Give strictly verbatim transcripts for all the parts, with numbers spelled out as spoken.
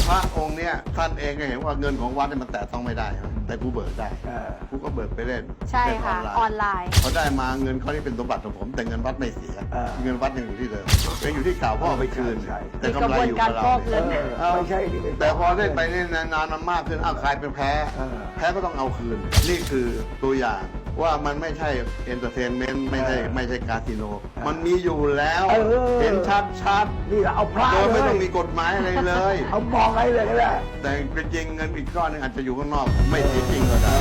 พระองค์เนี้ยท่านเองก็เห็นว่าเงินของวัดเนี่ยมันแตะต้องไม่ได้นะแต่กูเบิกได้กูก็เบิกไปเล่นใช่ค่ะออนไลน์เขาได้มาเงินเขาที่เป็นสมบัติของผมแต่เงินวัดไม่เสียเงินวัดยังอยู่ที่เดิมยังอยู่ที่เก่าพ่อไปคืนแต่กำไรอยู่กับเราไม่ใช่แต่พอเล่นไปเล่นนานๆมันมากขึ้นอ้าวใครเป็นแพ้แพ้ก็ต้องเอาคืนนี่คือตัวอย่างว่ามันไม่ใช่เอนเตอร์เทนเมนต์ไม่ใช่ไม่ใช่คาสิโนมันมีอยู่แล้วเห็นชัดชัดนี่เอาพระโดยไม่ต้องมีกฎหมายอะไรเลยเอามองอะไรเลยก็ได้แต่จริงเงินอีกก้อนนึงอาจจะอยู่ข้างนอกไม่เสียจริงก็ได้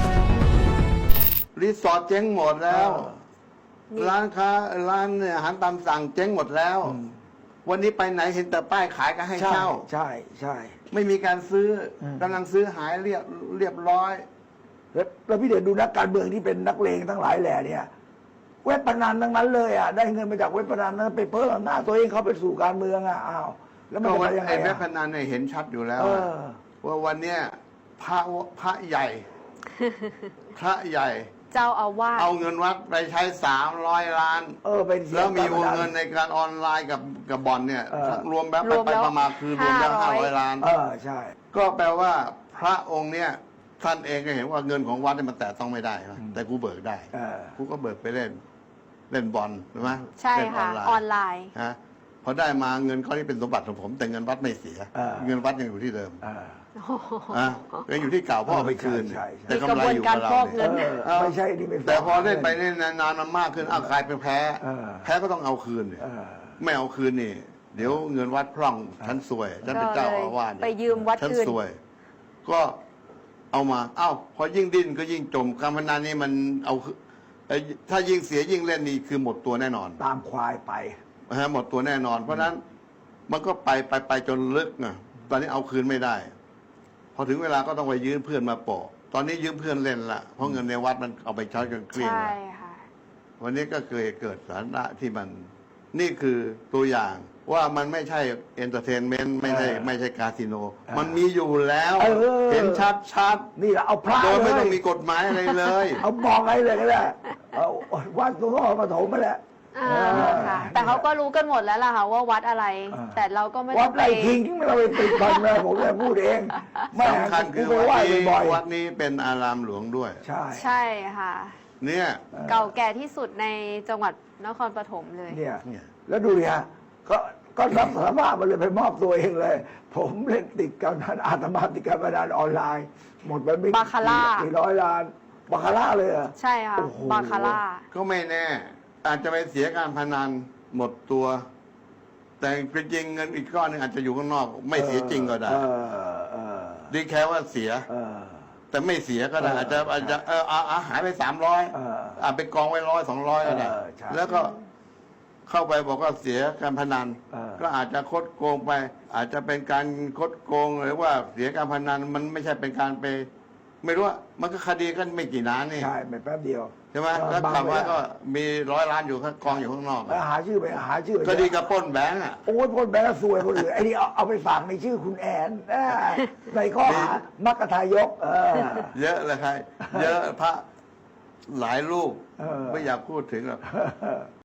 รีสอร์ทเจ๊งหมดแล้วร้านค้าร้านอาหารตามสั่งเจ๊งหมดแล้ววันนี้ไปไหนเห็นแต่ป้ายขายก็ให้เช่าใช่ใช่ไม่มีการซื้อกำลังซื้อหายเรียบเรียบร้อยแล้วพี่เดชดูนักการเมืองที่เป็นนักเลงทั้งหลายแหล่เนี่ยเว็บพนันทั้งนั้นเลยอ่ะได้เงินมาจากเว็บพนันนั้นไปเพิ่มหน้าตัวเองเขาไปสู่การเมืองอ่ะอ้าวแล้วมันจะยังไงเว็บพนันเนี่ยเห็นชัดอยู่แล้วว่าวันเนี้ยพระพระใหญ่ พระใหญ่เจ้าอาวาสเอาเงินวัดไปใช้สามร้อยล้านเออเป็นแล้วมีวงเงินในการออนไลน์กับกับบอลเนี่ยรวมแบบไปประมาณคือรวมแล้วห้าร้อยล้านเออใช่ก็แปลว่าพระองค์เนี่ยท่านเองก็เห็นว่าเงินของวัดเนี่ยมันแตะต้องไม่ได้นะแต่กูเบิกได้กูก็เบิกไปเล่นเล่นบอลใช่ไหมใช่ค่ะออนไลน์ฮะพอได้มาเงินเขาที่เป็นสมบัติของผมแต่เงินวัดไม่เสียเงินวัดยังอยู่ที่เดิมอ่ะยังอยู่ที่เก่าพ่อไปคืนแต่กำไรอยู่กับเราไม่ใช่ที่ไม่แต่พอเล่นไปเล่นนานๆมันมากขึ้นอ้าวใครเป็นแพ้แพ้ก็ต้องเอาคืนไม่เอาคืนนี่เดี๋ยวเงินวัดพร่องฉันซวยฉันเป็นเจ้าอาวาสไปยืมวัดฉันซวยก็เอามาอ้าวพอยิ่งดิ้นก็ยิ่งจมการพนันนี่มันเอาถ้ายิ่งเสียยิ่งเล่นนี่คือหมดตัวแน่นอนตามควายไปฮะหมดตัวแน่นอนเพราะนั้นมันก็ไปไปไปจนลึกนะตอนนี้เอาคืนไม่ได้พอถึงเวลาก็ต้องไปยืมเพื่อนมาโปะตอนนี้ยืมเพื่อนเล่นละเพราะเงินในวัดมันเอาไปใช้จนเกลี้ยงแล้ววันนี้ก็เคยเกิดสาระที่มันนี่คือตัวอย่างว่ามันไม่ใช่เอนเตอร์เทนเมนต์ไม่ใช่ไม่ใช่คาสิโนมันมีอยู่แล้วเห็นชัดชัดนี่เอาพระโดยไม่ต้องมีกฎหมายอะไรเลยเอามองอะไรเลยก็ได้เอาวัดตัวพ่อปฐมมาแหละแต่เขาก็รู้กันหมดแล้วล่ะค่ะว่าวัดอะไรแต่เราก็ไม่วัดอะไรทิ้งที่เราไปติดบันเลยผมเลยพูดเองสำคัญคือวัดนี้วัดนี้เป็นอารามหลวงด้วยใช่ใช่ค่ะเนี่ยเก่าแก่ที่สุดในจังหวัดนครปฐมเลยเนี่ยแล้วดูดิฮะก็ก็รับสารภาพมาเลยไปมอบตัวเองเลย ผมเล่นติดการพนันอาตมาติดการพนันออนไลน์หมดไปไม่บาคาร่ากี่ร้อยล้านบาคาร่าเลยอ่ะใช่ค่ะบาคาร่าก็ไม่แน่อาจจะไปเสียการพนันหมดตัว แต่จริงเงินอีกก้อนนึงอาจจะอยู่ข้างนอกไม่เสียจริงก็ได้ดีแค่ว่าเสียแต่ไม่เสียก็ได้อาจจะอาจจะเอออาหายไปสามร้อยอ่าไปกองไว้ร้อยสองร้อยก็ได้แล้วก็เข้าไปบอกว่าเสียการพนันก็อาจจะคดโกงไป อาจจะเป็นการคดโกงหรือว่าเสียการพนันมันไม่ใช่เป็นการไปไม่รู้ว่ามันก็คดีกันไม่กี่ล้านนี่ใช่ไม่แป๊บเดียวใช่ไหมแล้วคำว่าก็มีร้อยล้านอยู่ข้างกองอยู่ข้างนอกหาชื่อไปหาชื่อคดีกับปล้นแบงก์อ่ะโอ้ยปล้นแบงก์ซวยคนอื่นไอ้นี่เอาเอาไปฝากในชื่อคุณแอนในข้อหามัคคทายกเยอะเลยใครเยอะพระหลายรูปไม่อยากพูดถึงหรอก